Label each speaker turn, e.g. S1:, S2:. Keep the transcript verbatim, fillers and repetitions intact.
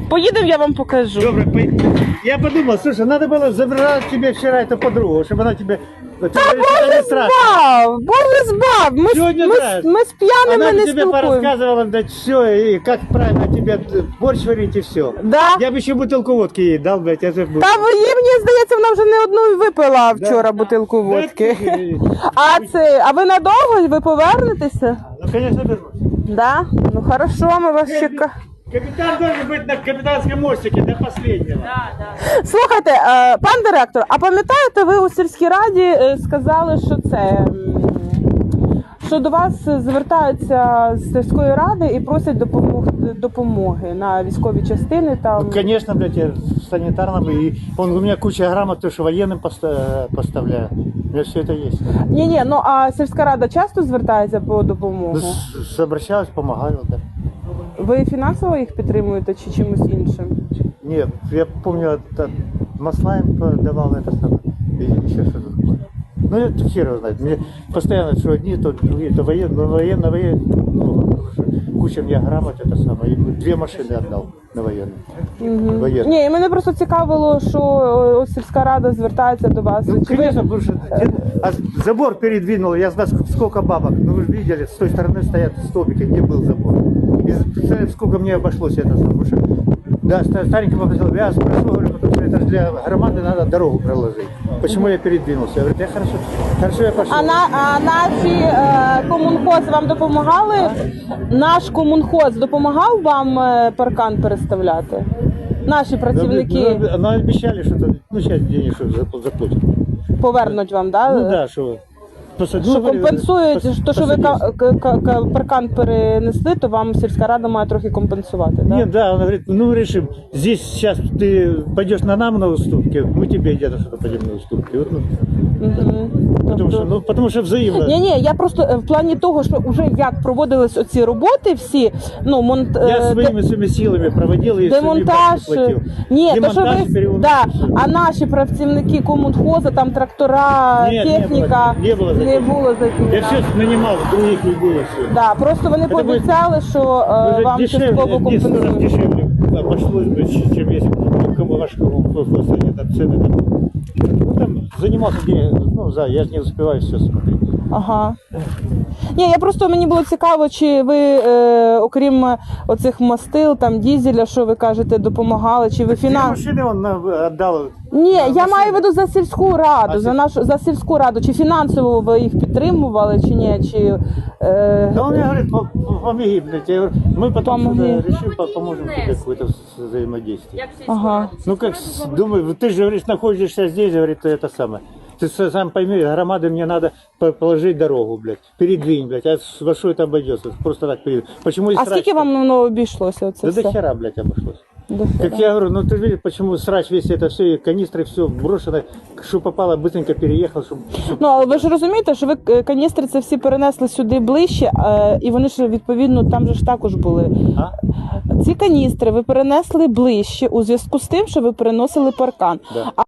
S1: Поїдемо, я вам покажу.
S2: Добре, по- я подумал, слушай, надо было забрать тебе вчера эту подругу, чтобы она тебе... Та
S1: Боже збав! Боже збав! Ми,
S2: Сьогодні
S1: ми,
S2: так.
S1: ми з п'яними
S2: Она
S1: не
S2: бы тебе
S1: спілкуємося.
S2: порассказывала, да все, и как правильно тебе борщ варить и все.
S1: Да?
S2: Я бы еще бутылку водки ей дал, блядь, я же...
S1: Та ви- їй, мені здається, вона вже не одну випила вчора бутилку водки. А це, а ви надовго? Ви повернетеся?
S2: Ну, конечно, вернусь.
S1: Да? Ну хорошо, ми вас чекаємо.
S2: Капитан должен быть на капитанском мостике до последнего.
S1: Слухайте, е, пан директор, а пам'ятаєте, ви у сільській раді е, сказали, що це, м, що до вас звертаються з сільської ради і просять допомог, допомоги на військові частини там.
S2: Ну, конечно, блядь, я санитарном, и он, у меня куча грамот, то, что военным поста- поставляю. У меня все это есть.
S1: Ні-ні, ну а сільська рада часто звертається по допомогу?
S2: Ну, с- с- обращаюсь, помогаю, да.
S1: Ви фінансово їх підтримуєте чи чимось іншим?
S2: Нет, я помню, это, масла им давал это самое. И еще что-то такое. Ну, это хер его знает. Мне постоянно, что одни, то другие, то военные, военно, военные. Куча мне грамот, это самое. И две машины отдал на военные.
S1: Угу.
S2: Военные.
S1: Ні, і мене просто цікавило, що о, сільська рада звертається до вас.
S2: Ну,
S1: Чи ви-
S2: конечно, потому что а забор передвинул, я знаю, ск- сколько бабок. Ну, вы же видели, с той стороны стоят столбики, где был забор. И представляете, сколько мне обошлось это самое. Потому что, да, ста- старенький попросил, я спрошу, говорю, потому что это же для громады надо дорогу проложить. Почему я передвинулся? Я говорю, я хорошо, хорошо я пошел.
S1: А, на, а наші е, комунхоз вам допомагали? Наш комунхоз допомагав вам е, паркан переставляти? Наші працівники
S2: Ну, ну, обещали, что-то, ну, сейчас денежку зап- заплатят.
S1: повернуть вам, да?
S2: Ну, да, что... Посад-
S1: Що
S2: ну, говорю,
S1: компенсують,
S2: пос-
S1: то, що ви
S2: посадить.
S1: ка- ка- ка- паркан перенесли, то вам сільська рада має трохи компенсувати, да?
S2: Нет, да, он говорит, ну решим, здесь сейчас ты пойдешь на нам на уступки, мы тебе где-то что-то пойдем на уступки. Вот, ну,
S1: Угу.
S2: потому, что, ну, потому что взаимно.
S1: Ні, ні, я просто е, в плані того, що вже як проводились оці роботи всі, ну, монт...
S2: Я
S1: е,
S2: своими, своими силами проводил и
S1: демонтаж.
S2: своими бабки платил.
S1: Ні, то що
S2: Демонтаж,
S1: ви,
S2: перевод-
S1: да, а наші працівники комунхоза, там трактора,
S2: Ні, не
S1: техніка,
S2: було, не було
S1: не
S2: закинено.
S1: було закинено.
S2: Я все нанимал с других людей. и Все.
S1: Да, просто вони
S2: Це буде-
S1: пообіцяли, що е,
S2: Уже
S1: вам
S2: дешевле,
S1: частково
S2: десять раз
S1: компенсують.
S2: дешевле обошлось бы, ч- чем если ну, кому ваш колхоз, это цены там. Ну, там занимался где, ну, за, я же не успеваю все смотреть.
S1: Ага. Ні, я просто мені було цікаво, чи ви, е, окрім оцих мастил, там дізеля, що ви кажете, допомагали, чи ви
S2: Две
S1: фінанс...
S2: машины он на- отдал.
S1: Ні,
S2: на
S1: я
S2: машины.
S1: маю в виду за сільську раду,
S2: А
S1: за
S2: сіль-
S1: нашу за сільську раду. Чи фінансово ви їх підтримували, чи ні? Чи, е...
S2: Да он мне говорит, «Пом- помоги, блядь. Я говорю, мы потом
S1: Помоги.
S2: что-то решим, по- поможем тебе какое-то с- взаимодействие.
S1: Ага.
S2: Ну как, с- думаю, ты же говоришь, находишься здесь, говорит, это самое. Ты с- сам пойми, громады мне надо по- положить дорогу, блядь, передвинь, блядь, а с- во что это обойдется? Просто так передвинь. Почему и
S1: А
S2: срач-
S1: скільки вам воно обійшлося? Оце
S2: Да до
S1: все?
S2: хера, блядь, обошлось.
S1: До
S2: Как
S1: хера.
S2: я говорю, ну ты видишь, почему срач весь это все, и канистры все брошено, что попало, быстренько переехал, чтобы...
S1: Ну, але ви ж розумієте, що ви е, каністри це всі перенесли сюди ближче, е, і вони ж відповідно там же ж також були.
S2: А?
S1: Ці каністри ви перенесли ближче у зв'язку з тим, що ви переносили паркан.
S2: Да.
S1: А